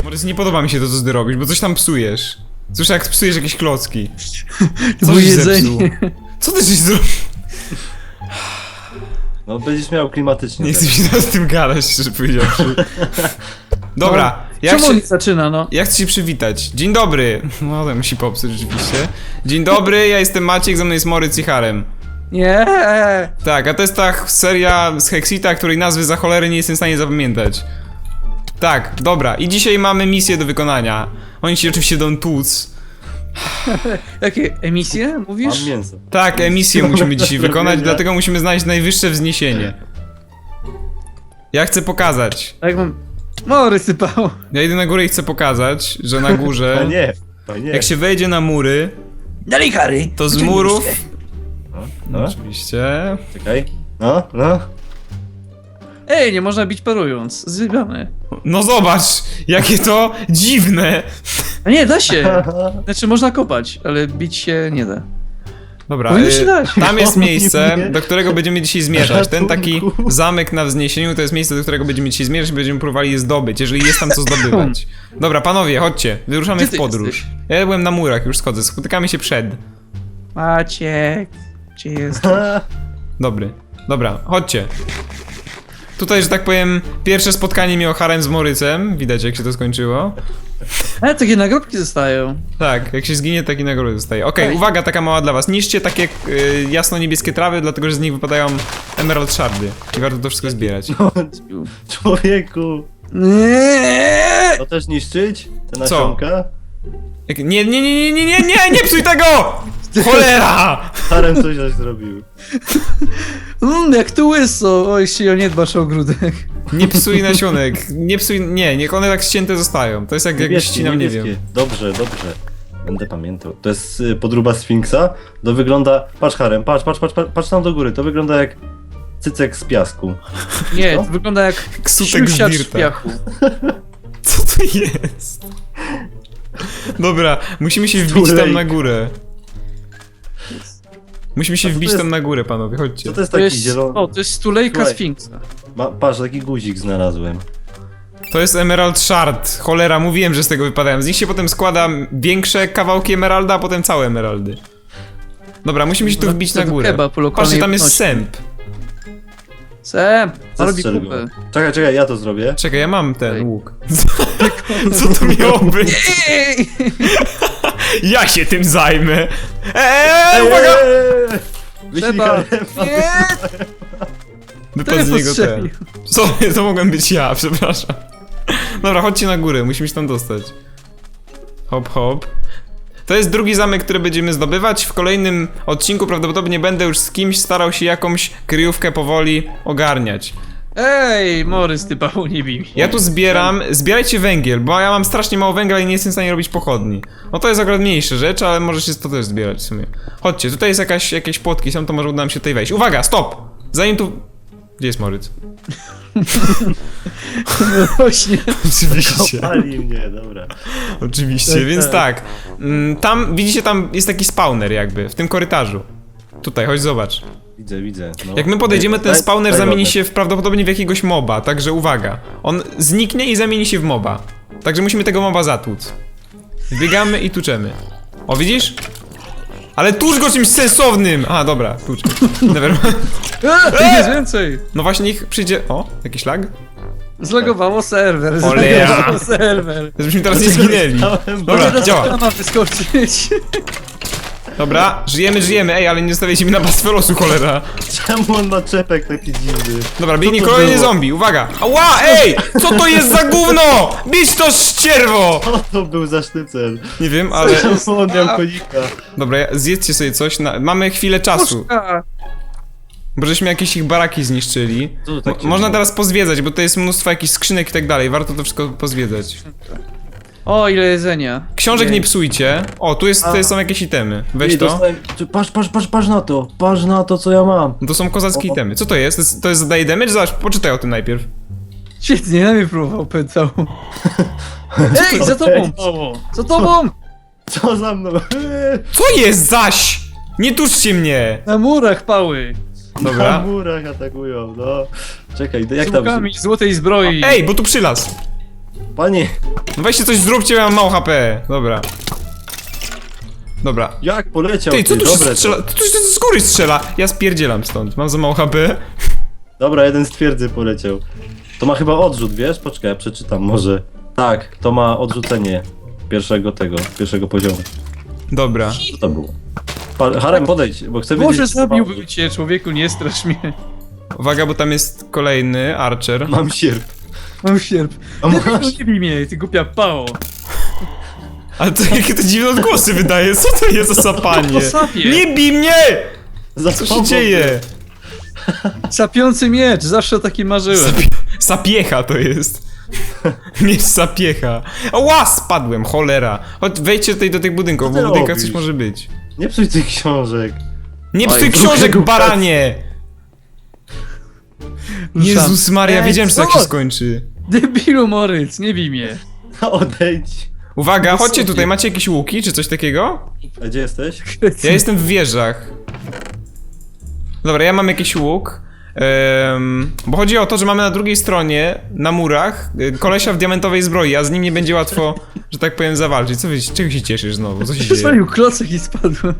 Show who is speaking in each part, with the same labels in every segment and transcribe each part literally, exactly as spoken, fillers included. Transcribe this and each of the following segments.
Speaker 1: Morys, nie podoba mi się to, co ty robisz, bo coś tam psujesz. Słyszę, jak psujesz jakieś klocki. Co
Speaker 2: Bo
Speaker 1: żeś
Speaker 2: jedzenie.
Speaker 1: zepsuł? Co ty żeś zrobił?
Speaker 3: No będziesz miał klimatycznie.
Speaker 1: Nie chcę mi się teraz z tym gadać, szczerze powiedziawszy. Dobra, jak
Speaker 2: Czemu
Speaker 1: się...
Speaker 2: on nie zaczyna, no?
Speaker 1: Ja chcę się przywitać. Dzień dobry. No to musi popsuć rzeczywiście. Dzień dobry, ja jestem Maciek, ze mną jest Morys i Harem.
Speaker 2: Nie.
Speaker 1: Tak, a to jest ta seria z Hexita, której nazwy za cholerę nie jestem w stanie zapamiętać. Tak, dobra. I dzisiaj mamy misję do wykonania. Oni się oczywiście dą tłuc.
Speaker 2: Jakie emisje, mówisz?
Speaker 3: Mam mięso.
Speaker 1: Tak, emisję musimy dzisiaj wykonać,
Speaker 3: Zrobienia.
Speaker 1: dlatego musimy znaleźć najwyższe wzniesienie. Ja chcę pokazać.
Speaker 2: Tak mam... Mory sypał.
Speaker 1: Ja idę na górę i chcę pokazać, że na
Speaker 3: A
Speaker 1: górze,
Speaker 3: nie, a nie.
Speaker 1: jak się wejdzie na mury,
Speaker 2: Dalej, Harry.
Speaker 1: to z murów...
Speaker 3: No, no,
Speaker 1: Oczywiście...
Speaker 3: czekaj. No, no.
Speaker 2: Ej, nie można bić parując. Zjebane.
Speaker 1: No zobacz, jakie to dziwne.
Speaker 2: A nie, da się. Znaczy, można kopać, ale bić się nie da.
Speaker 1: Dobra,
Speaker 2: Powinno
Speaker 1: y,
Speaker 2: się dać.
Speaker 1: tam jest
Speaker 3: O,
Speaker 1: miejsce,
Speaker 3: nie.
Speaker 1: do którego będziemy dzisiaj zmierzać. Ten taki
Speaker 3: Ratunku.
Speaker 1: zamek na wzniesieniu to jest miejsce, do którego będziemy dzisiaj zmierzać i będziemy próbowali je zdobyć, jeżeli jest tam co zdobywać. Dobra, panowie, chodźcie, wyruszamy
Speaker 2: Gdzie
Speaker 1: w
Speaker 2: ty
Speaker 1: podróż.
Speaker 2: jesteś?
Speaker 1: Ja byłem na murach, już schodzę, spotykamy się przed.
Speaker 2: Maciek. Gdzie jest?
Speaker 1: Dobry, dobra, chodźcie. Tutaj, że tak powiem, pierwsze spotkanie miał Harem z Morycem, widać jak się to skończyło.
Speaker 2: Ale takie nagrobki zostają.
Speaker 1: Tak, jak się zginie, taki nagrodę dostaje. Okej,
Speaker 2: Ej.
Speaker 1: uwaga, taka mała dla was. Niszcie takie y, jasno-niebieskie trawy, dlatego że z nich wypadają emerald shardy. I warto to wszystko zbierać.
Speaker 3: Człowieku.
Speaker 2: Nie.
Speaker 3: To też niszczyć? Te
Speaker 1: Co?
Speaker 3: nasionka?
Speaker 1: Jak, nie, nie, nie, nie, nie, nie, nie, nie psuj tego! Cholera!
Speaker 3: Harem coś coś zrobił.
Speaker 2: Mmm, jak tu łyso. Oj, się nie dbasz o ogródek.
Speaker 1: Nie psuj nasionek, nie psuj, nie, niech one tak ścięte zostają. To jest jak, jak
Speaker 3: Niebieskie,
Speaker 1: ścinam, nie
Speaker 3: niebieskie.
Speaker 1: wiem.
Speaker 3: Dobrze, dobrze. Będę pamiętał. To jest y, podróba Sfinksa. To wygląda... Patrz Harem, patrz, patrz, patrz, patrz, patrz tam do góry. To wygląda jak cycek z piasku.
Speaker 2: Nie,
Speaker 3: Co?
Speaker 2: to wygląda jak
Speaker 1: Ksutek z
Speaker 2: siusiacz z
Speaker 1: dirta.
Speaker 2: piachu.
Speaker 1: Co to jest? Dobra, musimy się wbić tam
Speaker 3: Tulejka.
Speaker 1: na górę. Musimy się
Speaker 3: A co to
Speaker 1: wbić
Speaker 3: jest?
Speaker 1: tam na górę, panowie, chodźcie.
Speaker 3: Co to jest
Speaker 2: To
Speaker 3: taki
Speaker 2: jest,
Speaker 3: zielony...
Speaker 2: o, to jest stulejka
Speaker 3: Słuchaj.
Speaker 2: Sfinksa.
Speaker 3: Ma, patrz, taki guzik znalazłem.
Speaker 1: To jest emerald shard. Cholera, mówiłem, że z tego wypadają. Z nich się potem składa większe kawałki emeralda, a potem całe emeraldy. Dobra, musimy się tu
Speaker 2: No,
Speaker 1: wbić
Speaker 2: to
Speaker 1: na
Speaker 2: to
Speaker 1: górę.
Speaker 2: kebab po lokalnej
Speaker 1: Patrzcie, tam jest
Speaker 2: ludności.
Speaker 1: sęp.
Speaker 2: Sem, co robi
Speaker 3: Zastrzel
Speaker 2: kupę?
Speaker 3: go. Czekaj, czekaj, ja to zrobię.
Speaker 1: Czekaj, ja mam ten
Speaker 2: Ej.
Speaker 1: łuk. Co to miało być?
Speaker 2: Ej!
Speaker 1: Ja się tym zajmę. Eee, uwaga!
Speaker 3: Eee! Wyślij
Speaker 2: Trzeba.
Speaker 3: Harem.
Speaker 2: Nie!
Speaker 1: Wypadł z niego ten.
Speaker 2: postrzelił?
Speaker 1: Co? To mogłem być ja, przepraszam. Dobra, chodźcie na górę, musimy się tam dostać. Hop, hop. To jest drugi zamek, który będziemy zdobywać. W kolejnym odcinku prawdopodobnie będę już z kimś starał się jakąś kryjówkę powoli ogarniać.
Speaker 2: Ej, Morys, ty Paweł, nie bij mnie.
Speaker 1: Ja tu zbieram, zbierajcie węgiel, bo ja mam strasznie mało węgla i nie jestem w stanie robić pochodni. No to jest akurat mniejsza rzecz, ale może się to też zbierać w sumie. Chodźcie, tutaj jest jakaś, jakieś płotki są, to może uda nam się tutaj wejść. Uwaga, stop! Zanim tu... Gdzie jest Moryc?
Speaker 2: Właśnie.
Speaker 1: Oczywiście.
Speaker 3: Kopali mnie, dobra.
Speaker 1: Oczywiście,
Speaker 2: Tak,
Speaker 1: więc
Speaker 2: tak.
Speaker 1: tak. mm, Tam, widzicie, tam jest taki spawner jakby, w tym korytarzu. Tutaj, chodź zobacz.
Speaker 3: Widzę, widzę. No.
Speaker 1: Jak my podejdziemy, ten
Speaker 3: Daj-
Speaker 1: spawner
Speaker 3: daj
Speaker 1: zamieni
Speaker 3: wodę.
Speaker 1: się w, prawdopodobnie w jakiegoś moba, także uwaga. On zniknie i zamieni się w moba. Także musimy tego moba zatłuc. Biegamy i tuczemy. O, widzisz? Ale tucz go czymś sensownym! A, dobra, tucz. Nevermind.
Speaker 2: A, tu jest więcej.
Speaker 1: No właśnie, niech przyjdzie... O, jakiś lag?
Speaker 2: Zlogowało serwer.
Speaker 1: Cholera.
Speaker 2: Zlogowało serwer.
Speaker 1: Żebyśmy teraz nie zginęli. Dobra,
Speaker 2: Teraz
Speaker 1: działa.
Speaker 2: ma wyskoczyć.
Speaker 1: Dobra, żyjemy, żyjemy. Ej, ale nie zostawiajcie mi na pastwę losu, cholera.
Speaker 3: Czemu on ma czepek taki dziwny?
Speaker 1: Dobra, biegnie
Speaker 3: Co to
Speaker 1: kolejny
Speaker 3: było?
Speaker 1: zombie, uwaga! Ała, ej! Co to jest za gówno? Bić to ścierwo!
Speaker 3: Co to był za sztycel?
Speaker 1: Nie wiem, ale...
Speaker 3: Czemu on miał konika?
Speaker 1: Dobra, ja- zjedzcie sobie coś, na... mamy chwilę czasu.
Speaker 2: Puszka.
Speaker 1: Bo żeśmy jakieś ich baraki zniszczyli.
Speaker 3: Co to tak
Speaker 1: Mo-
Speaker 3: się
Speaker 1: Można
Speaker 3: dzieje?
Speaker 1: teraz pozwiedzać, bo to jest mnóstwo jakichś skrzynek i tak dalej, warto to wszystko pozwiedzać.
Speaker 2: O, ile jedzenia.
Speaker 1: Książek nie psujcie. O, tu jest, tu są jakieś itemy. Weź
Speaker 3: Ej,
Speaker 1: to.
Speaker 3: dostałem- Czy- Patrz, patrz, patrz, patrz na to. Patrz na to, co ja mam.
Speaker 1: No to są kozackie
Speaker 3: O.
Speaker 1: itemy. Co to jest? To jest, to jest zadaje damage? Zobacz, poczytaj o tym najpierw.
Speaker 2: Świetnie, na mnie próbował, pytał. Ej, za tobą, Paweł. Za tobą!
Speaker 3: Co za mną? Eee,
Speaker 1: Co jest zaś? Nie tuczcie mnie!
Speaker 2: Na murach pały.
Speaker 3: Na
Speaker 1: Dobra.
Speaker 3: murach atakują, no. Czekaj, jak
Speaker 2: Z
Speaker 3: tam...
Speaker 2: łukami złotej zbroi.
Speaker 1: Ej, bo tu przylaz.
Speaker 3: Panie,
Speaker 1: No weźcie coś zróbcie, ja mam mało H P. Dobra. Dobra.
Speaker 3: jak poleciał
Speaker 1: Ty, co tu się
Speaker 3: dobre to.
Speaker 1: strzela? Tu się z góry strzela. Ja spierdzielam stąd. Mam za mało H P.
Speaker 3: Dobra, jeden z twierdzy poleciał. To ma chyba odrzut, wiesz? Poczekaj, ja przeczytam może. Tak, to ma odrzucenie pierwszego tego, pierwszego poziomu.
Speaker 1: Dobra.
Speaker 3: Co to było? Pa, Harem, podejdź, bo chcę wiedzieć...
Speaker 2: Może
Speaker 3: co ma
Speaker 2: zabiłbym
Speaker 3: odrzut.
Speaker 2: cię, człowieku, nie strasz mnie.
Speaker 1: Uwaga, bo tam jest kolejny Archer.
Speaker 3: Mam sierp.
Speaker 2: Mam sierp.
Speaker 3: A masz?
Speaker 2: Nie bij mnie, ty głupia pało.
Speaker 1: Ale to jakie to dziwne odgłosy wydaje. Co to jest za sapanie?
Speaker 2: To sapie.
Speaker 1: Nie bij mnie!
Speaker 3: Za
Speaker 1: Co się
Speaker 3: słabo.
Speaker 1: dzieje?
Speaker 2: Sapiący miecz, zawsze o takim marzyłem.
Speaker 1: Sapie sapiecha to jest. Miecz sapiecha. Ła, spadłem, cholera. Chodź, wejdźcie tutaj do tych budynków,
Speaker 3: Co
Speaker 1: bo
Speaker 3: ty
Speaker 1: w budynkach coś
Speaker 3: robisz?
Speaker 1: może być.
Speaker 3: Nie psuj tych książek.
Speaker 1: Nie
Speaker 3: Oj,
Speaker 1: psuj
Speaker 3: trochę
Speaker 1: książek,
Speaker 3: głupiacy.
Speaker 1: baranie! Jezus Maria,
Speaker 2: Ej,
Speaker 1: wiedziałem, że tak
Speaker 2: co?
Speaker 1: się skończy.
Speaker 2: Debilu Moryc, nie bij mnie.
Speaker 3: Odejdź.
Speaker 1: Uwaga,
Speaker 2: Wysokie.
Speaker 1: chodźcie tutaj, macie jakieś łuki, czy coś takiego?
Speaker 3: A gdzie jesteś?
Speaker 1: Ja jestem w wieżach. Dobra, ja mam jakiś łuk. Em, bo chodzi o to, że mamy na drugiej stronie, na murach, y, kolesia w diamentowej zbroi, a z nim nie będzie łatwo, że tak powiem, zawalczyć. Co wy, czego się cieszysz znowu? Co się dzieje?
Speaker 2: Przesłonił klocek i spadłem.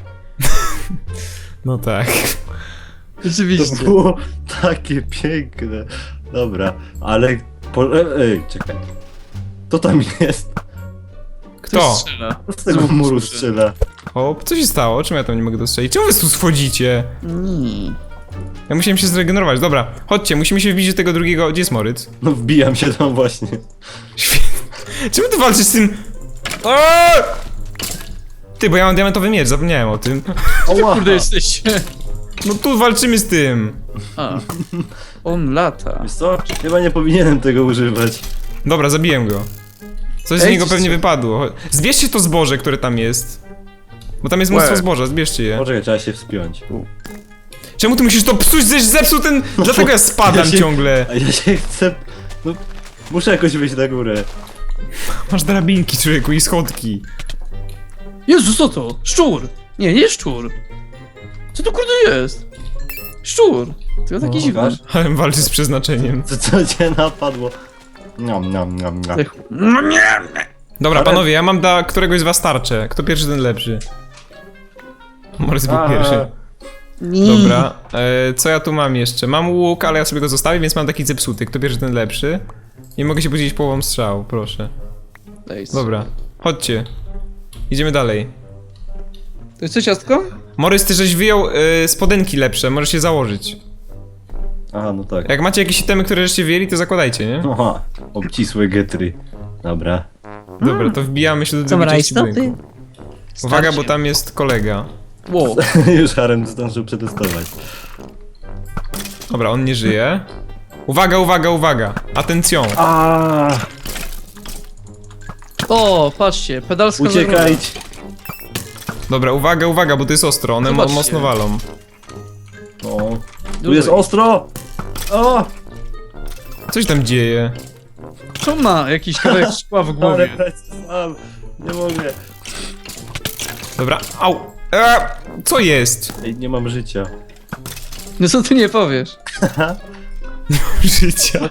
Speaker 1: No tak.
Speaker 3: To
Speaker 2: Rzeczywiście.
Speaker 3: było takie piękne. Dobra, ale... Po... e, Ej, czekaj. To tam jest.
Speaker 2: Ktoś
Speaker 1: Kto?
Speaker 2: strzela.
Speaker 3: Z tego
Speaker 2: Znowu
Speaker 3: muru
Speaker 2: słyszę.
Speaker 3: strzela.
Speaker 1: O, co się stało? Czemu ja tam nie mogę dostrzelić? Czemu wy tu schodzicie?
Speaker 2: Mm.
Speaker 1: Ja musiałem się zregenerować. Dobra, chodźcie, musimy się wbić do tego drugiego... Gdzie jest Moryc?
Speaker 3: No wbijam się tam właśnie.
Speaker 1: Świetnie. Czemu ty walczysz z tym... Aaaa! Ty, bo ja mam diamentowy miecz, zapomniałem o tym.
Speaker 3: Oła.
Speaker 2: Kurde jesteście.
Speaker 1: No tu walczymy z tym.
Speaker 2: A. On lata.
Speaker 3: Wiesz co? Chyba nie powinienem tego używać.
Speaker 1: Dobra, zabiłem go. Coś z
Speaker 2: Ej,
Speaker 1: niego
Speaker 2: co-
Speaker 1: pewnie wypadło. Cho- Zbierzcie to zboże, które tam jest. Bo tam jest mnóstwo
Speaker 2: Łe.
Speaker 1: zboża, zbierzcie je.
Speaker 3: Poczekaj, trzeba się wspiąć.
Speaker 1: Czemu ty musisz to psuć, żeś zepsuł ten... Dlatego ja spadam
Speaker 3: ja się-
Speaker 1: ciągle.
Speaker 3: A ja się chcę... No, muszę jakoś wyjść na górę.
Speaker 1: Masz drabinki, człowieku, i schodki.
Speaker 2: Jezu, co to? Szczur! Nie, nie szczur. Co to kurde jest? Szczur. Tylko taki
Speaker 3: O,
Speaker 2: dziwny.
Speaker 3: masz?
Speaker 1: Ale walczy z przeznaczeniem.
Speaker 3: Co, co cię napadło? Niam, niam, niam, niam.
Speaker 2: Ech.
Speaker 1: Dobra,
Speaker 3: Ale-
Speaker 1: panowie, ja mam dla któregoś z was tarczę. Kto pierwszy, ten lepszy. Morys był
Speaker 3: A.
Speaker 1: pierwszy.
Speaker 2: Nie.
Speaker 1: Dobra, e, co ja tu mam jeszcze? Mam łuk, ale ja sobie go zostawię, więc mam taki zepsuty. Kto pierwszy, ten lepszy. Nie mogę się podzielić połową strzału, proszę.
Speaker 2: Nice.
Speaker 1: Dobra, chodźcie. Idziemy dalej.
Speaker 2: To jest co, ciastko?
Speaker 1: Morys, ty żeś wyjął y, spodenki lepsze, możesz je założyć.
Speaker 3: Aha, no tak.
Speaker 1: Jak macie jakieś itemy, które żeście wyjęli, to zakładajcie, nie?
Speaker 3: Aha, obcisłe getry. Dobra.
Speaker 1: Dobra, to wbijamy się do
Speaker 4: Są
Speaker 1: drugiej części
Speaker 4: rajstopy?
Speaker 1: budynku. Uwaga, bo tam jest kolega.
Speaker 2: Wow.
Speaker 3: Już Harem zdążył przetestować.
Speaker 1: Dobra, on nie żyje. Uwaga, uwaga, uwaga! Atencją!
Speaker 3: A,
Speaker 2: O, patrzcie, pedalska zagroda.
Speaker 3: uciekajcie.
Speaker 1: Dobra, uwaga, uwaga, bo to jest ostro, one mo
Speaker 2: Zobaczcie.
Speaker 1: mocno walą.
Speaker 3: O, tu
Speaker 2: Dawaj.
Speaker 3: jest ostro! O!
Speaker 1: Co się tam dzieje?
Speaker 2: Co ma jakiś kawałek szkła w
Speaker 3: Ale
Speaker 2: głowie?
Speaker 3: sam. Nie mogę.
Speaker 1: Dobra, au! Eee, co jest?
Speaker 3: Ej, nie mam życia.
Speaker 2: No co ty nie powiesz?
Speaker 1: Życia.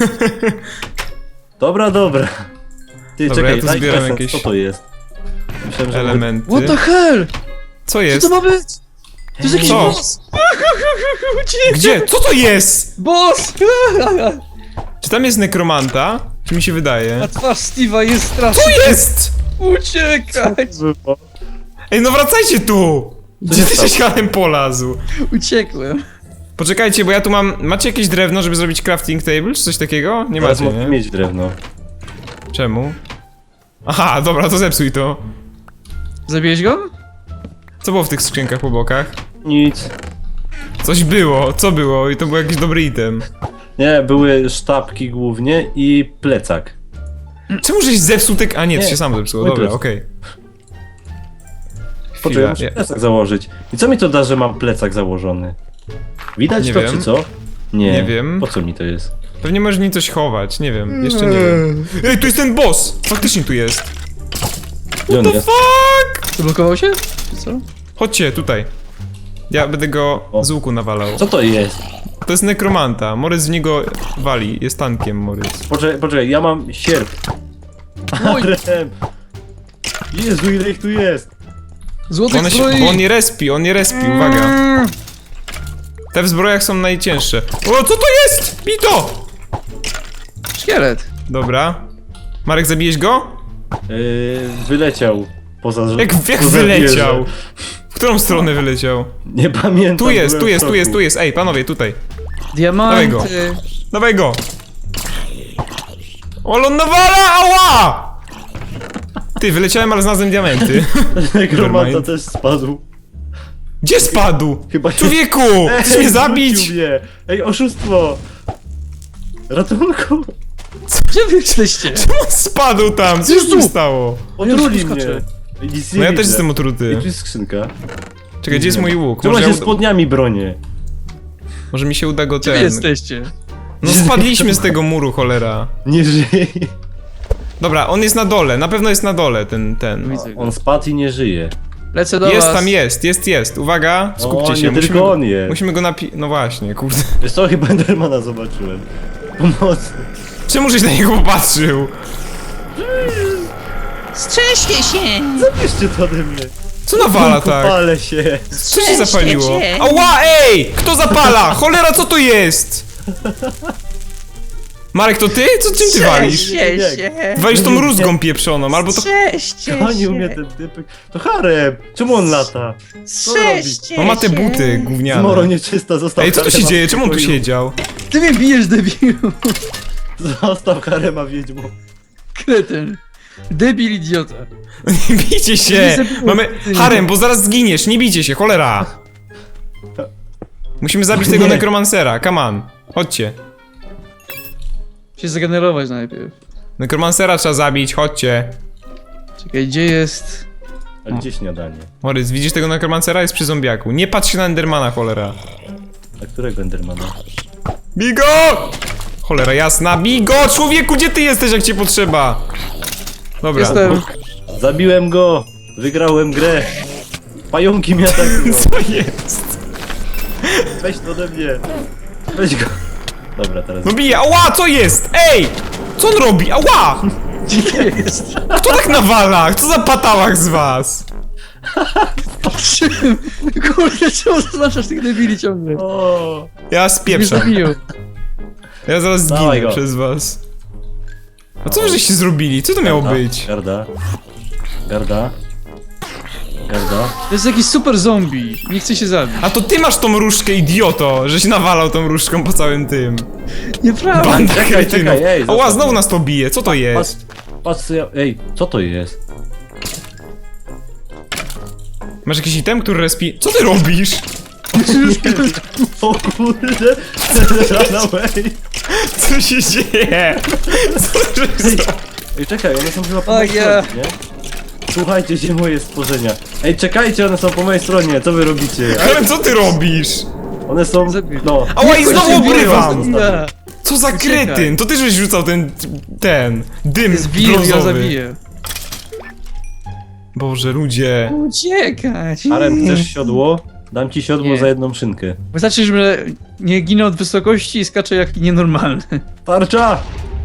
Speaker 3: Dobra, dobra. Ty,
Speaker 1: Dobra,
Speaker 3: czekaj,
Speaker 1: ja tu
Speaker 3: daj
Speaker 1: zbieram
Speaker 3: present,
Speaker 1: jakieś
Speaker 3: co to jest? Myślałem, że...
Speaker 1: Elementy.
Speaker 2: What the hell?
Speaker 1: Co
Speaker 2: Co
Speaker 1: jest?
Speaker 2: to ma być? To jest jakiś
Speaker 1: Co?
Speaker 2: boss! Uciekaj!
Speaker 1: Gdzie? Co to jest?
Speaker 2: Boss!
Speaker 1: Czy tam jest nekromanta? Czy mi się
Speaker 2: A
Speaker 1: wydaje?
Speaker 2: twarz Steve'a jest straszna.
Speaker 1: Co jest?
Speaker 2: Uciekaj!
Speaker 1: Ej, no wracajcie tu! Gdzie
Speaker 3: się
Speaker 1: ty
Speaker 3: stało?
Speaker 1: się Harem polazł?
Speaker 2: Uciekłem.
Speaker 1: Poczekajcie, bo ja tu mam... Macie jakieś drewno, żeby zrobić crafting table, czy coś takiego? Nie
Speaker 3: Teraz
Speaker 1: macie,
Speaker 3: mogę
Speaker 1: nie?
Speaker 3: mieć drewno.
Speaker 1: Czemu? Aha, dobra, to zepsuj to.
Speaker 2: Zabiłeś go?
Speaker 1: Co było w tych skrzynkach po bokach?
Speaker 3: Nic.
Speaker 1: Coś było, co było? I to był jakiś dobry item.
Speaker 3: Nie, były sztabki głównie i plecak.
Speaker 1: Czemu żeś zepsuł te... A nie, to
Speaker 3: Nie,
Speaker 1: się samo zepsuło,
Speaker 3: mój
Speaker 1: dobra,
Speaker 3: plecak.
Speaker 1: okej.
Speaker 3: Poczekaj,
Speaker 1: Chwila,
Speaker 3: muszę
Speaker 1: ja-
Speaker 3: plecak założyć. I co mi to da, że mam plecak założony? Widać
Speaker 1: Nie
Speaker 3: to,
Speaker 1: wiem.
Speaker 3: czy co? Nie.
Speaker 1: Nie wiem.
Speaker 3: Po co mi to jest?
Speaker 1: Pewnie możesz w nim coś chować, nie wiem, jeszcze nie wiem. Ej, tu jest ten boss! Faktycznie tu jest.
Speaker 3: Gdzie on
Speaker 1: The
Speaker 3: jest?
Speaker 1: fuck?
Speaker 2: Zablokował się? Czy co?
Speaker 1: Chodźcie, tutaj. Ja będę go
Speaker 3: O.
Speaker 1: z łuku nawalał.
Speaker 3: Co to jest?
Speaker 1: To jest nekromanta. Morys w niego wali. Jest tankiem, Morys.
Speaker 3: Poczekaj, poczekaj, ja mam sierp.
Speaker 2: Oj.
Speaker 3: Harem! Jezu, ile ich tu jest!
Speaker 2: Złotych
Speaker 1: One się,
Speaker 2: zbroi!
Speaker 1: bo on nie respi, on nie respi, uwaga. Te w zbrojach są najcięższe. O, co to jest? Bij to!
Speaker 2: Szkielet.
Speaker 1: Dobra. Marek, zabijeś go?
Speaker 3: Yy, wyleciał poza...
Speaker 1: Jak, jak
Speaker 3: poza
Speaker 1: wyleciał?
Speaker 3: wieżę.
Speaker 1: W którą stronę wyleciał?
Speaker 3: Nie pamiętam.
Speaker 1: Tu jest,
Speaker 3: byłem
Speaker 1: tu
Speaker 3: w
Speaker 1: jest, tu
Speaker 3: szoku.
Speaker 1: jest, tu jest. Ej, panowie, tutaj.
Speaker 2: Diamenty.
Speaker 1: Dawaj Dawaj go! O, on nawala! Ała! Ty, wyleciałem, ale znalazłem diamenty.
Speaker 3: Nekromanta
Speaker 1: Nevermind.
Speaker 3: też spadł.
Speaker 1: Gdzie spadł?
Speaker 3: Chyba się...
Speaker 1: Człowieku! Chcesz mnie zabić?
Speaker 3: wrócił mnie. Ej, oszustwo! Ratunku!
Speaker 2: Gdzie wy jesteście?
Speaker 1: Czemu on spadł tam? Co się
Speaker 2: Jezu!
Speaker 1: stało?
Speaker 3: Otruli
Speaker 2: już
Speaker 3: mnie!
Speaker 2: skaczę.
Speaker 3: Ej, nic nie
Speaker 1: No ja
Speaker 3: widzę.
Speaker 1: też jestem
Speaker 3: I
Speaker 1: otruty.
Speaker 3: tu jest skrzynka.
Speaker 1: Czekaj, gdzie jest mój łuk?
Speaker 3: Trzyma
Speaker 1: Może,
Speaker 3: się
Speaker 1: ja uda...
Speaker 3: spodniami bronię.
Speaker 1: Może mi się uda go
Speaker 2: Gdzie wy
Speaker 1: ten...
Speaker 2: jesteście?
Speaker 1: No spadliśmy z tego muru, cholera.
Speaker 3: Nie żyje.
Speaker 1: Dobra, on jest na dole, na pewno jest na dole, ten, ten.
Speaker 2: Widzę go.
Speaker 3: On spadł i nie żyje.
Speaker 2: Lecę do
Speaker 1: Jest
Speaker 2: was.
Speaker 1: tam, jest, jest, jest. Uwaga, skupcie
Speaker 3: O,
Speaker 1: się.
Speaker 3: nie
Speaker 1: musimy,
Speaker 3: tylko on jest.
Speaker 1: musimy go napi... No właśnie, kurde.
Speaker 3: Wiesz co, chyba Endermana zobaczyłem. Pomocy.
Speaker 1: Czemu żeś na niego popatrzył?
Speaker 4: Strzeżcie się!
Speaker 3: Zabierzcie to ode mnie.
Speaker 1: Co nawala tak?
Speaker 3: Palę się.
Speaker 1: Co się zapaliło?
Speaker 4: się.
Speaker 1: Ała, ej! Kto zapala? Cholera, co to jest? Marek, to ty? Co czym ty walisz?
Speaker 4: Strzeżcie się!
Speaker 1: Walisz tą rózgą pieprzoną, albo to...
Speaker 4: Strzeżcie
Speaker 3: Gonił mnie
Speaker 4: się!
Speaker 3: ten typek. To Harem! Czemu on lata?
Speaker 4: Strzeżcie
Speaker 1: No ma te
Speaker 4: się.
Speaker 1: buty
Speaker 3: Zmoro
Speaker 1: gówniane.
Speaker 3: nieczysta, zostaw
Speaker 1: Ej, co tu się
Speaker 3: Harema
Speaker 1: dzieje?
Speaker 3: w
Speaker 1: Czemu on tu
Speaker 3: pokoju.
Speaker 1: siedział?
Speaker 2: Ty mnie bijesz, debilu.
Speaker 3: Zostaw Harema, wiedźmo.
Speaker 2: Kretyn. Debil idiota.
Speaker 1: Nie bijcie się! Mamy... Harem, bo zaraz zginiesz, nie bijcie się, cholera! Musimy zabić tego
Speaker 3: Nie.
Speaker 1: nekromancera, come on. Chodźcie.
Speaker 2: Się zgenerować najpierw.
Speaker 1: Nekromancera trzeba zabić, chodźcie.
Speaker 2: Czekaj, gdzie jest...
Speaker 3: A gdzie śniadanie?
Speaker 1: Morys, widzisz tego nekromancera? Jest przy zombiaku. Nie patrz się na Endermana, cholera.
Speaker 3: A którego Endermana?
Speaker 1: Bigo! Cholera jasna, Bigo! Człowieku, gdzie ty jesteś, jak cię potrzeba? Dobra.
Speaker 2: Jestem.
Speaker 3: Zabiłem go! Wygrałem grę! Pająki mnie atakują!
Speaker 1: Co jest?
Speaker 3: Weź to ode mnie! Weź go! Dobra, teraz...
Speaker 1: No bije, ała, co jest? Ej! Co on robi? Ała!
Speaker 2: Gdzie to jest?
Speaker 1: Kto tak nawala? Co za patałach z was?
Speaker 2: Czym? Kurde, czemu zaznaczasz tych debili ciągle?
Speaker 3: O,
Speaker 1: Ja
Speaker 2: Mnie
Speaker 1: spieprzam.
Speaker 2: zabiją.
Speaker 1: Ja zaraz
Speaker 3: Dawaj
Speaker 1: zginę
Speaker 3: go.
Speaker 1: przez was. A co wy żeście zrobili? Co to miało
Speaker 3: Garda,
Speaker 1: być?
Speaker 3: Garda. Garda. Garda.
Speaker 2: To jest jakiś super zombie. Nie chce się zabić.
Speaker 1: A to ty masz tą różdżkę, idioto, żeś nawalał tą różdżką po całym tym.
Speaker 2: Nieprawda.
Speaker 1: Banda
Speaker 3: czekaj,
Speaker 1: kretynów.
Speaker 3: czekaj, ej,
Speaker 1: Ała,
Speaker 3: zostaw
Speaker 1: znowu
Speaker 3: mnie.
Speaker 1: nas to bije, co to
Speaker 3: Patrz,
Speaker 1: jest?
Speaker 3: patrz co ja... Ej, co to jest?
Speaker 1: Masz jakiś item, który respi... Co ty robisz?
Speaker 3: O kurde! Ranaway!
Speaker 1: Co się dzieje? Co żeś zrobił?
Speaker 3: Ej, czekaj, one są chyba po
Speaker 2: O
Speaker 3: mojej
Speaker 2: ja.
Speaker 3: stronie, nie? Słuchajcie się moje stworzenia. Ej, czekajcie, one są po mojej stronie, co wy robicie?
Speaker 1: Ale co ty robisz?
Speaker 3: One są...
Speaker 2: Zabiję.
Speaker 3: no...
Speaker 1: Ała, i znowu
Speaker 2: Cię biją,
Speaker 1: obrywam!
Speaker 2: Ja.
Speaker 1: Co za
Speaker 2: Uciekaj.
Speaker 1: kretyn? To ty żeś rzucał ten... ten... dym
Speaker 2: Jest wir, ja
Speaker 1: brązowy.
Speaker 2: zabiję.
Speaker 1: Boże, ludzie.
Speaker 4: Uciekać!
Speaker 3: Harem, chcesz siodło? Dam ci siodło
Speaker 2: Nie.
Speaker 3: za jedną szynkę.
Speaker 2: Wystarczy, że nie ginę od wysokości i skaczę jak nienormalny.
Speaker 3: Tarcza!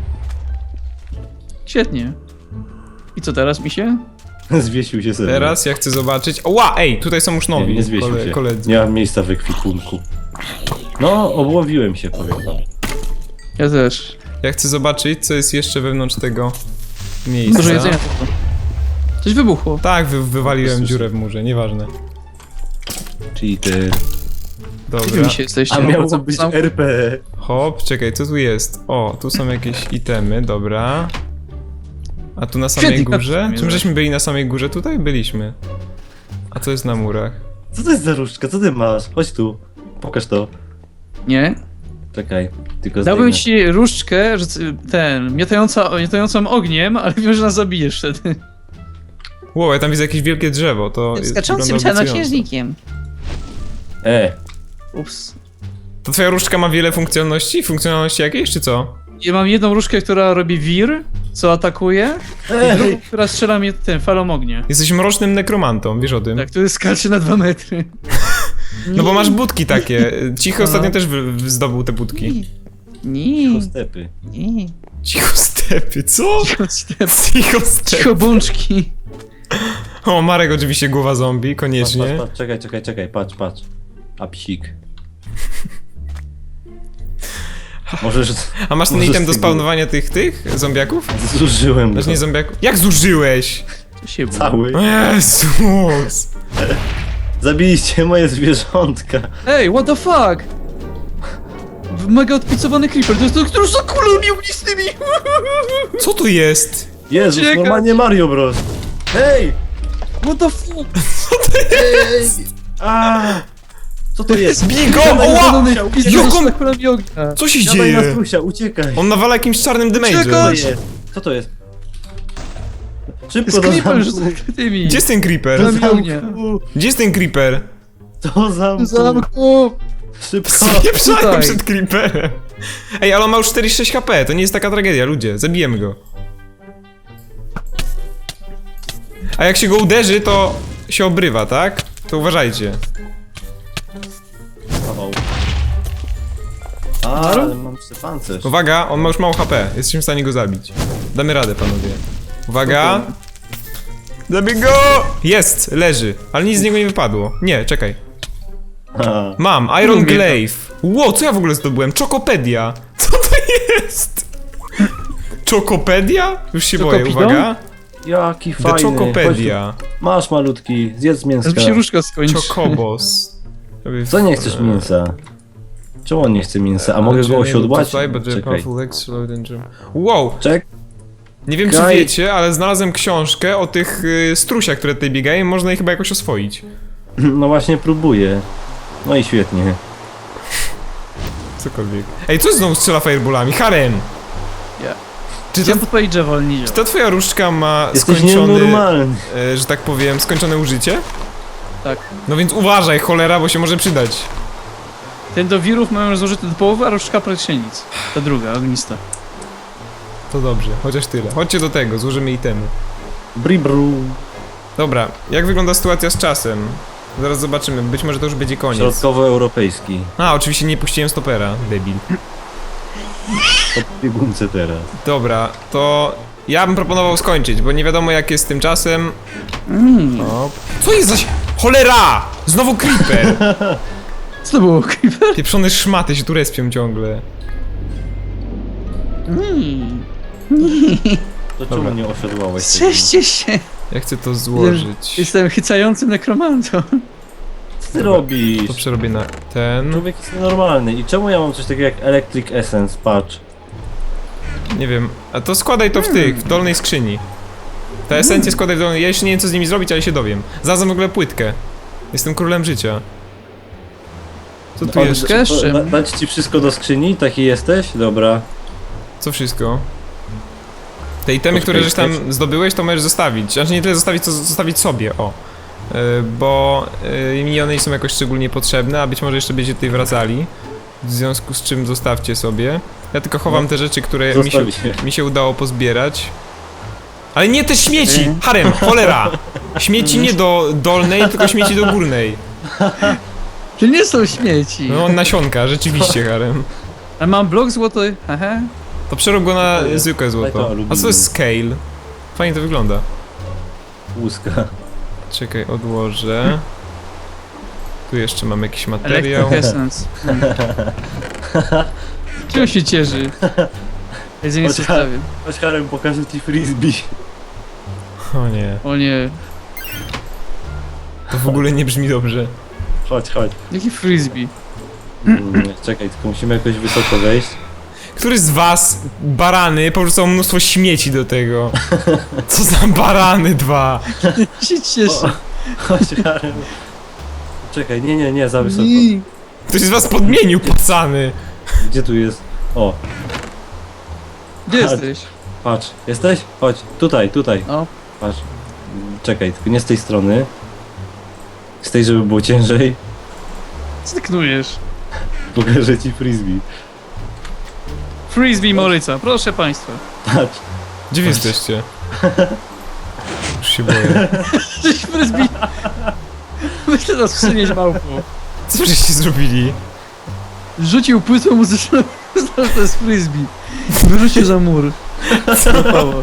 Speaker 2: Świetnie. I co teraz, misie?
Speaker 3: Zwiesił się sobie.
Speaker 1: Teraz ja chcę zobaczyć... Ła, ej, tutaj są już
Speaker 3: Nie,
Speaker 1: nowi
Speaker 3: nie zwiesił
Speaker 1: kole,
Speaker 3: się.
Speaker 1: koledzy.
Speaker 3: Nie mam miejsca w ekwipunku. No, obłowiłem się, powiem wam.
Speaker 2: Ja też.
Speaker 1: Ja chcę zobaczyć, co jest jeszcze wewnątrz tego miejsca.
Speaker 2: Dużo jedzenia tylko. Coś wybuchło.
Speaker 1: Tak, wy, wywaliłem
Speaker 3: Słyszę.
Speaker 1: dziurę w murze, nieważne.
Speaker 3: Czyli ty...
Speaker 2: Gdzie wy
Speaker 1: Dobra.
Speaker 2: misie jesteście?
Speaker 3: A
Speaker 2: No,
Speaker 3: miało
Speaker 2: co-
Speaker 3: być
Speaker 2: sam-
Speaker 3: R P.
Speaker 1: Hop, czekaj, co tu jest? O, tu są jakieś itemy, dobra. A tu na samej
Speaker 2: Świetnie,
Speaker 1: górze?
Speaker 2: kapsuł
Speaker 1: Czym
Speaker 2: mnie
Speaker 1: żeśmy byli na samej górze? Tutaj byliśmy. A co jest na murach?
Speaker 3: Co to jest za różdżka? Co ty masz? Chodź tu. Pokaż to.
Speaker 2: Nie?
Speaker 3: Czekaj, tylko
Speaker 2: Dałbym
Speaker 3: zdejmę.
Speaker 2: ci różdżkę, że c- ten, miotająca, miotającą ogniem, ale wiem, że nas zabijesz wtedy.
Speaker 1: Wow, ja tam widzę jakieś wielkie drzewo, to jest
Speaker 4: Skaczącym
Speaker 1: wygląda obiecująco.
Speaker 4: czarnoksiężnikiem.
Speaker 3: E,
Speaker 2: Ups.
Speaker 1: To twoja różdżka ma wiele funkcjonalności? Funkcjonalności jakieś, czy co?
Speaker 2: Ja mam jedną różdżkę, która robi wir, co atakuje, i drugą,
Speaker 3: Ej!
Speaker 2: która strzela mnie tym falą ognia.
Speaker 1: Jesteś mrocznym nekromantą, wiesz o tym?
Speaker 2: Tak, to skacze na dwa metry.
Speaker 1: No bo masz budki takie. Cichy ostatnio też wy, wy zdobył te budki.
Speaker 4: Nie,
Speaker 3: Stepy.
Speaker 4: nie.
Speaker 1: Cicho stepy, co?
Speaker 2: Cicho step.
Speaker 1: Cicho stepy.
Speaker 2: Cicho bączki.
Speaker 1: O, Marek oczywiście głowa zombie,
Speaker 3: Patrz,
Speaker 1: koniecznie.
Speaker 3: patrz, patrz, czekaj, czekaj, czekaj, patrz, patrz. A psik. Możesz...
Speaker 1: A masz ten
Speaker 3: Może
Speaker 1: item
Speaker 3: z
Speaker 1: do
Speaker 3: tego-
Speaker 1: spawnowania tych, tych zombiaków?
Speaker 3: Zużyłem
Speaker 1: Znaczy
Speaker 3: go.
Speaker 1: nie zombiaków. Jak zużyłeś?
Speaker 2: Co się było?
Speaker 3: Cały.
Speaker 1: O Jezus!
Speaker 3: Zabiliście moje zwierzątka.
Speaker 2: Ej, what the fuck? W- Mega odpicowany creeper, to jest to, który za kulami ognistymi!
Speaker 1: Co tu jest?
Speaker 3: Jezus,
Speaker 2: Uciekać.
Speaker 3: normalnie Mario Bros. Hej!
Speaker 2: What the fuck?
Speaker 3: Ej! A! Co to jest?
Speaker 1: Bigo!
Speaker 3: Siadaj na
Speaker 1: Oła!
Speaker 3: strusia, uciekaj!
Speaker 1: Jaką-
Speaker 2: za kulami ognia.
Speaker 1: Co się
Speaker 3: Siadaj na
Speaker 1: dzieje?
Speaker 3: strusia, uciekaj!
Speaker 1: On nawala jakimś czarnym
Speaker 3: Co to
Speaker 1: damage'em.
Speaker 3: jest? Co to jest? Szybko
Speaker 2: Z
Speaker 3: do
Speaker 2: creeper
Speaker 3: zamku!
Speaker 2: już zakrytymi.
Speaker 1: Gdzie jest ten creeper?
Speaker 3: Do
Speaker 2: Kulami ognia.
Speaker 3: zamku!
Speaker 1: Gdzie jest ten creeper?
Speaker 3: Do zamku!
Speaker 2: Zamku!
Speaker 3: Szybko!
Speaker 1: Spieprzają
Speaker 2: tutaj.
Speaker 1: przed creeperem. Ej, ale on ma już czterdzieści sześć H P, to nie jest taka tragedia, ludzie. Zabijemy go. A jak się go uderzy, to się obrywa, tak? To uważajcie.
Speaker 3: O. A, ale mam pancerz.
Speaker 1: Uwaga, on ma już mało H P. Jesteśmy w stanie go zabić. Damy radę, panowie. Uwaga. Zabij go! Jest, leży. Ale nic z niego nie wypadło. Nie, czekaj.
Speaker 3: A,
Speaker 1: Mam, Iron
Speaker 2: Lubię to.
Speaker 1: Glaive. Ło, co ja w ogóle zdobyłem? Czokopedia. Co to jest? Czokopedia? Już się boję,
Speaker 2: Czokopidon?
Speaker 1: uwaga.
Speaker 3: jaki
Speaker 1: The
Speaker 3: fajny!
Speaker 1: Chocopedia.
Speaker 3: Chodź tu. Masz malutki, zjedz mięska.
Speaker 2: Żeby się różka skończy.
Speaker 1: Chocobos.
Speaker 3: Co nie chcesz mięsa? Czemu on nie chce mięsa? A mogę go osiodłać? Czekaj.
Speaker 1: Wow,
Speaker 3: Czek.
Speaker 1: nie wiem czy
Speaker 3: Czekaj.
Speaker 1: wiecie, ale znalazłem książkę o tych y, strusiach, które tutaj biegają, można je chyba jakoś oswoić.
Speaker 3: No właśnie próbuję. No i świetnie.
Speaker 1: Cokolwiek. Ej, co znowu strzela fireballami? Harem!
Speaker 2: Ja.
Speaker 1: Czy to,
Speaker 2: Ja po page'a wolniej.
Speaker 1: czy ta twoja różdżka ma
Speaker 3: Jesteś
Speaker 1: skończony,
Speaker 3: nienormalny.
Speaker 1: e, że tak powiem, skończone użycie?
Speaker 2: Tak.
Speaker 1: No więc uważaj, cholera, bo się może przydać.
Speaker 2: Ten do wirów mamy już zużyty do połowy, a różdżka praktycznie nic. Ta druga, ognista.
Speaker 1: To dobrze, chociaż tyle. Chodźcie do tego, złożymy itemy.
Speaker 3: Bribru.
Speaker 1: Dobra, jak wygląda sytuacja z czasem? Zaraz zobaczymy, być może to już będzie koniec.
Speaker 3: Środkowoeuropejski.
Speaker 1: A, oczywiście nie puściłem stopera, debil.
Speaker 3: To biegunce teraz.
Speaker 1: Dobra, to ja bym proponował skończyć, bo nie wiadomo jak jest z tym czasem.
Speaker 2: Mm.
Speaker 1: O. Co jest zaś? Cholera! Znowu creeper!
Speaker 2: Co to było, creeper?
Speaker 1: Pieprzone szmaty się tu respią ciągle.
Speaker 2: Mm.
Speaker 3: To
Speaker 1: Dobra.
Speaker 3: czemu nie osiodłałeś? tego?
Speaker 2: Strzeżcie się!
Speaker 1: Ja chcę to złożyć.
Speaker 2: Jestem chycającym nekromantą.
Speaker 3: Co ty robisz?
Speaker 1: To przerobię na ten.
Speaker 3: Człowiek jest nienormalny. I czemu ja mam coś takiego jak Electric Essence? Patrz.
Speaker 1: Nie wiem. A to składaj to w tych, w dolnej skrzyni. Te esencje składaj w dolnej. Ja jeszcze nie wiem co z nimi zrobić, ale się dowiem. Znalazłem w ogóle płytkę. Jestem królem życia. Co tu
Speaker 3: Od-
Speaker 1: jeszcze?
Speaker 2: Jeszcze? z czym?
Speaker 3: Da, dać ci wszystko do skrzyni? Taki jesteś? Dobra.
Speaker 1: Co wszystko? Te itemy, które żeś tam zdobyłeś, to możesz zostawić. Znaczy nie tyle zostawić, co zostawić sobie, o. Yy, bo yy, mi one nie są jakoś szczególnie potrzebne, a być może jeszcze będziecie tutaj wracali. W związku z czym zostawcie sobie. Ja tylko chowam
Speaker 3: No,
Speaker 1: te rzeczy, które mi się,
Speaker 3: zostawić.
Speaker 1: mi się udało pozbierać. Ale nie te śmieci!
Speaker 2: Okej.
Speaker 1: Harem, cholera! Śmieci nie do dolnej, tylko śmieci do górnej.
Speaker 2: To nie są śmieci.
Speaker 1: No nasionka, rzeczywiście, Harem.
Speaker 2: Ale mam blok złoty, haha.
Speaker 1: To przerób go na
Speaker 3: To jest-
Speaker 1: zwykłe
Speaker 3: daj
Speaker 1: złoto.
Speaker 3: to
Speaker 1: A
Speaker 3: aluminium.
Speaker 1: co to jest scale? Fajnie to wygląda.
Speaker 3: Łuska.
Speaker 1: Czekaj, odłożę. Tu jeszcze mam jakiś materiał.
Speaker 2: Electric Essence. Hmm. Czemu się cieszy? Jedzenie
Speaker 3: Chodź,
Speaker 2: zostawię.
Speaker 3: Chodź Harem, pokażę ci frisbee.
Speaker 1: O nie,
Speaker 2: O nie.
Speaker 1: to w ogóle nie brzmi dobrze.
Speaker 3: Chodź, chodź.
Speaker 2: Jaki frisbee?
Speaker 3: Mm, czekaj, tylko musimy jakoś wysoko wejść.
Speaker 1: Który z was, barany, porzucał mnóstwo śmieci do tego? Co za barany dwa?
Speaker 2: Się cieszę.
Speaker 3: Chodź Harem. Czekaj, nie, nie, nie, za wysoko.
Speaker 2: I-
Speaker 1: Ktoś z was podmienił, pacany.
Speaker 3: Gdzie tu jest? O,
Speaker 2: Gdzie jesteś?
Speaker 3: patrz. Jesteś? Chodź, tutaj, tutaj.
Speaker 2: O.
Speaker 3: Patrz. Czekaj, tylko nie z tej strony. Z tej, żeby było ciężej.
Speaker 2: Co ty knujesz?
Speaker 3: Pokażę ci frisbee.
Speaker 2: Frisbee Moryca, proszę państwa.
Speaker 3: Patrz.
Speaker 1: Gdzie wy jesteście? Już się boję.
Speaker 2: Cześć frisbee. Myślę nas przynieść małpą.
Speaker 1: Co żeście zrobili?
Speaker 2: Rzucił płytę muzyczną, uznał, że to jest frisbee. Wyrzucił za mur. Zapało.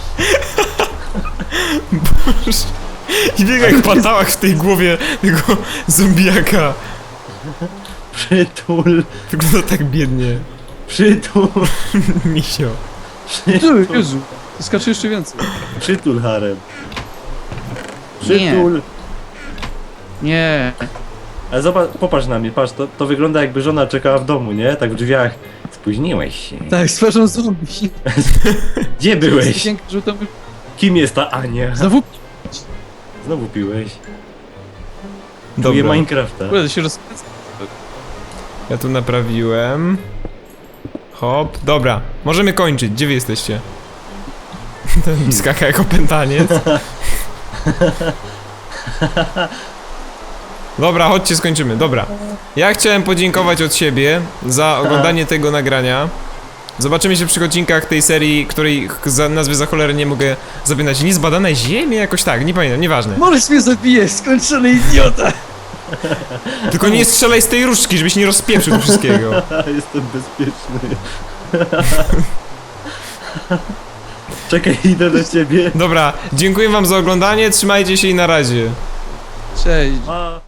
Speaker 1: I biega jak patałach w tej głowie tego zombiaka.
Speaker 3: Przytul,
Speaker 1: Wygląda tak biednie.
Speaker 3: przytul,
Speaker 1: Misio.
Speaker 2: Ty,
Speaker 3: przytul,
Speaker 2: Jezu. To skacze jeszcze więcej.
Speaker 3: przytul harem. Przytul.
Speaker 2: Nie.
Speaker 3: Ale zobacz, popatrz na mnie, patrz, to, to wygląda jakby żona czekała w domu, nie? Tak w drzwiach. Spóźniłeś się.
Speaker 2: Tak, z twarzą zombie.
Speaker 3: Gdzie byłeś?
Speaker 2: Żółtą...
Speaker 3: Kim jest ta Ania?
Speaker 2: Znowu...
Speaker 3: Znowu piłeś. Czuję
Speaker 1: Dobra,
Speaker 3: Minecrafta.
Speaker 2: Kurde, się rozkręca.
Speaker 1: ja tu naprawiłem. Hop, dobra. Możemy kończyć. Gdzie wy jesteście? Ten skaka jako pętaniec. Dobra, chodźcie, skończymy. Dobra. Ja chciałem podziękować od siebie za oglądanie tego nagrania. Zobaczymy się przy odcinkach tej serii, której ch- za nazwy za cholerę nie mogę zapamiętać. Niezbadane ziemie? Jakoś tak, nie pamiętam, nieważne.
Speaker 2: Możesz mnie zabijesz, skończony idiota!
Speaker 1: Tylko nie strzelaj z tej różdżki, żebyś nie rozpieprzył tu wszystkiego.
Speaker 3: Jestem bezpieczny. Czekaj, idę do ciebie.
Speaker 1: Dobra, dziękuję wam za oglądanie, trzymajcie się i na razie.
Speaker 2: Cześć.
Speaker 3: A.